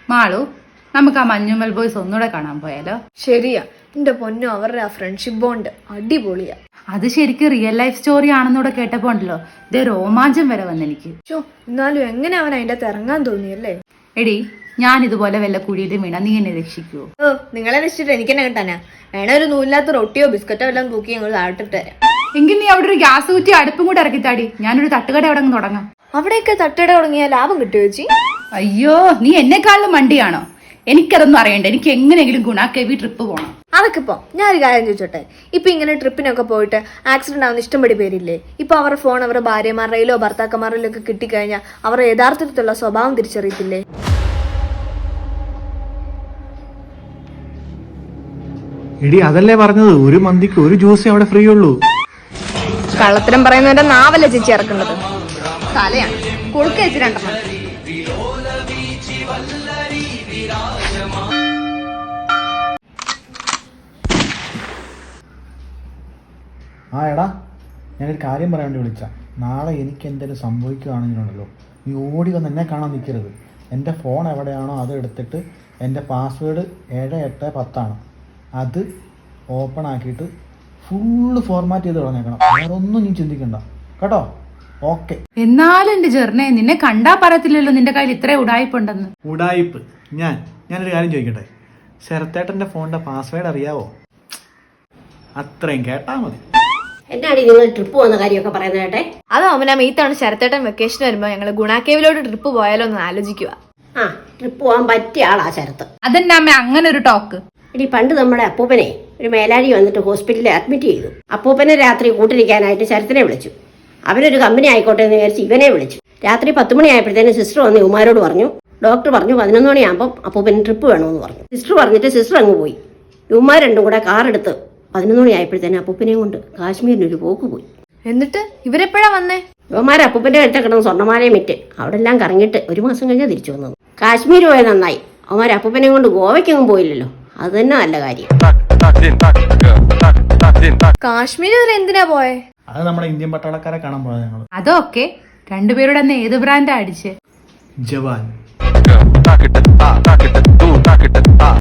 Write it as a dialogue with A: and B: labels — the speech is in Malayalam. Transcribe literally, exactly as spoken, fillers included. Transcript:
A: മാളു, നമുക്ക് ആ മഞ്ഞുമൽ ബോയ്സ് ഒന്നുകൂടെ കാണാൻ പോയാലോ?
B: ശരിയാ, എന്റെ പൊന്നോ, അവരുടെ ആ ഫ്രണ്ട്ഷിപ്പ് ബോണ്ട് അടിപൊളിയാ.
A: അത് ശരിക്കും റിയൽ ലൈഫ് സ്റ്റോറി ആണെന്നൂടെ കേട്ടപ്പോ ഉണ്ടല്ലോ, ഇതേ രോമാഞ്ചം വരെ വന്നെനിക്ക്.
B: ചോ, എന്നാലും എങ്ങനെ അവൻ അതിന്റെ അകത്ത് ഇറങ്ങാൻ തോന്നിയല്ലേ?
A: എടി, ഞാൻ ഇതുപോലെ വല്ല കുഴിയിലും വീണ നീ എന്നെ രക്ഷിക്കുവോ?
B: ഓ, നിങ്ങളെ രക്ഷിച്ചിട്ട് എനിക്ക് തന്നെ കിട്ടാനാ? വേണ ഒരു നൂലില്ലാത്ത റൊട്ടിയോ ബിസ്ക്കറ്റോ എല്ലാം തൂക്കി ഞങ്ങൾ താഴ്ത്തിട്ട് തരാം.
A: എങ്കിൽ നീ അവിടെ ഒരു ഗ്യാസ് കുറ്റി അടുപ്പും കൂടെ ഇറക്കിത്താടി, ഞാനൊരു തട്ടുകട അവിടെ അങ്ങ് തുടങ്ങാം.
B: അവിടെയൊക്കെ തട്ടുകട തുടങ്ങിയാൽ ലാഭം കിട്ടുമോ ചേച്ചി?
A: അയ്യോ, നീ എന്നെക്കാളും മണ്ടിയാണോ? എനിക്കതൊന്നും അറിയണ്ട. എനിക്ക് എങ്ങനെയെങ്കിലും ഗുണാക്കേവി ട്രിപ്പ് പോകണം.
B: അതൊക്കെ ഇപ്പൊ ഞാനൊരു കാര്യം ചോദിച്ചോട്ടെ, ഇപ്പൊ ഇങ്ങനെ ട്രിപ്പിനൊക്കെ പോയിട്ട് ആക്സിഡന്റ് ആവുന്ന ഇഷ്ടംപടി പേരില്ലേ? ഇപ്പൊ അവരുടെ ഫോൺ അവരുടെ ഭാര്യമാരുടെയിലോ ഭർത്താക്കന്മാരിലോ ഒക്കെ കിട്ടിക്കഴിഞ്ഞാൽ അവരുടെ യഥാർത്ഥത്തിലുള്ള സ്വഭാവം തിരിച്ചറിയത്തില്ലേ?
C: എടി, അതല്ലേ പറഞ്ഞത്, ഒരു മന്തിക്ക് ഒരു ജ്യൂസേ അവിടെ ഫ്രീ ഉള്ളൂ.
B: കള്ളത്തരം പറയുന്നവന്റെ നാവല്ല ചേച്ചി ഇറക്കുന്നത്, തലയാണ്. കൊടുക്ക ചേച്ചി രണ്ടെണ്ണം.
C: ആ എടാ, ഞാനൊരു കാര്യം പറയാൻ വേണ്ടി വിളിച്ച. നാളെ എനിക്ക് എന്തെങ്കിലും സംഭവിക്കുകയാണെങ്കിലുണ്ടല്ലോ, നീ ഓടി വന്ന് എന്നെ കാണാൻ നിൽക്കരുത്. എൻ്റെ ഫോൺ എവിടെയാണോ അത് എടുത്തിട്ട് എൻ്റെ പാസ്വേഡ് ഏഴ് എട്ട് പത്താണ്, അത് ഓപ്പൺ ആക്കിയിട്ട് ഫുള്ള് ഫോർമാറ്റ് ചെയ്ത് കളഞ്ഞേക്കണം. വേറെ ഒന്നും നീ ചിന്തിക്കണ്ട കേട്ടോ? ഓക്കെ.
A: എന്നാലും എന്റെ ജെർണേ, നിന്നെ കണ്ടാ പറയത്തില്ലല്ലോ നിന്റെ കയ്യിൽ ഇത്ര ഉടായ്പുണ്ടെന്ന്.
C: ഉടായിപ്പ്? ഞാൻ ഞാനൊരു കാര്യം ചോദിക്കട്ടെ, ശരത്തേട്ടൻ്റെ ഫോണിൻ്റെ പാസ്വേഡ് അറിയാവോ? അത്രയും കേട്ടാ മതി.
D: എന്നാടി നിങ്ങൾ ട്രിപ്പ് പോകുന്ന കാര്യമൊക്കെ പറയുന്നത് കേട്ടെ?
B: അത് അവനാ മീത്താണ് ശരത്തേട്ടൻ വെക്കേഷൻ വരുമ്പോ ഞങ്ങള് ഗുണാക്കേവിലോട്ട് ട്രിപ്പ് പോയാലോ എന്ന് ആലോചിക്കുക.
D: ആ, ട്രിപ്പ് പോകാൻ പറ്റിയ ആളാ ശരത്ത്.
A: അതെന്നെ അമ്മ അങ്ങനെ ഒരു ടോക്ക്?
D: എടി, പണ്ട് നമ്മുടെ അപ്പൂപ്പനെ ഒരു മേലാഴി വന്നിട്ട് ഹോസ്പിറ്റലിൽ അഡ്മിറ്റ് ചെയ്തു. അപ്പൂപ്പനെ രാത്രി കൂട്ടിരിക്കാനായിട്ട് ശരത്തിനെ വിളിച്ചു. അവനൊരു കമ്പനി ആയിക്കോട്ടെ എന്ന് വിചാരിച്ച് ഇവനെ വിളിച്ചു. രാത്രി പത്ത് മണിയായപ്പോഴത്തേനും സിസ്റ്റർ വന്ന് ഇവന്മാരോട് പറഞ്ഞു, ഡോക്ടർ പറഞ്ഞു പതിനൊന്ന് മണിയാകുമ്പോൾ അപ്പൂപ്പന് ട്രിപ്പ് വേണമെന്ന് പറഞ്ഞു. സിസ്റ്റർ പറഞ്ഞിട്ട് സിസ്റ്റർ അങ്ങ് പോയി. ഇവന്മാർ രണ്ടും കൂടെ കാറെടുത്ത് പതിനൊന്ന് മണി ആയപ്പോഴത്തേനും അപ്പൂപ്പനെയും കൊണ്ട് കാശ്മീരിനൊരു പോക്ക് പോയി.
B: എന്നിട്ട് ഇവരെപ്പോഴാ വന്നേ?
D: ഇവന്മാർ അപ്പൂപ്പന്റെ കഴുത്ത കിടന്ന് സ്വർണ്ണമാലയും വിറ്റ് അവിടെ എല്ലാം കറങ്ങിയിട്ട് ഒരു മാസം കഴിഞ്ഞാൽ തിരിച്ചു വന്നത്. കാശ്മീർ പോയത് നന്നായി. അവന്മാർ അപ്പൂപ്പനെയും കൊണ്ട് ഗോവയ്ക്കൊന്നും പോയില്ലല്ലോ, അത് തന്നെ നല്ല കാര്യം.
B: കാശ്മീർ വരെ എന്തിനാ പോയേ?
C: അത് നമ്മുടെ ഇന്ത്യൻ പട്ടാളക്കാരെ കാണാൻ പോയത് ഞങ്ങൾ.
A: അതൊക്കെ രണ്ടുപേരുടെ അന്ന് ഏത് ബ്രാൻഡാ അടിച്ച്?
C: ജവാൻ.